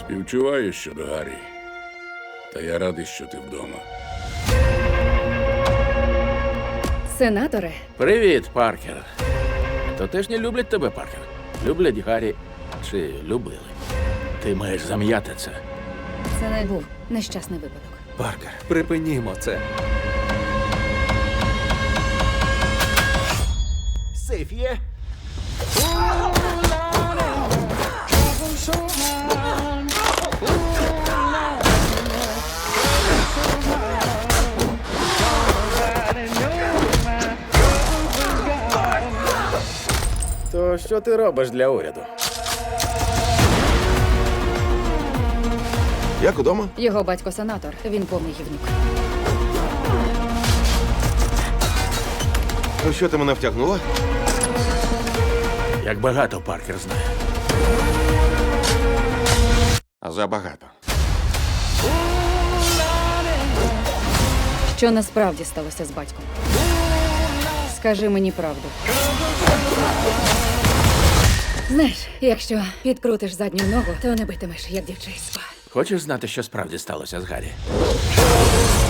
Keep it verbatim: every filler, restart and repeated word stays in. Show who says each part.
Speaker 1: Співчуваю щодо Гаррі. Та я радий, що ти вдома.
Speaker 2: Сенаторе,
Speaker 3: Привіт, Паркер. То теж не люблять тебе, Паркер. Люблять Гаррі чи любили. Ти маєш зам'яти це.
Speaker 2: це не був нещасний випадок.
Speaker 4: Паркер, припинімо це.
Speaker 5: Сейф є?
Speaker 3: То що ти робиш для уряду?
Speaker 5: Як удома?
Speaker 2: Його батько сенатор, він повний гівнюк.
Speaker 5: Ну що ти мене втягнула?
Speaker 3: Як багато Паркер знає.
Speaker 5: Забагато.
Speaker 2: Що насправді сталося з батьком? Скажи мені правду. Знаєш, якщо підкрутиш задню ногу, то не битимеш, як дівчисько.
Speaker 3: Хочеш знати, що справді сталося з Гаррі?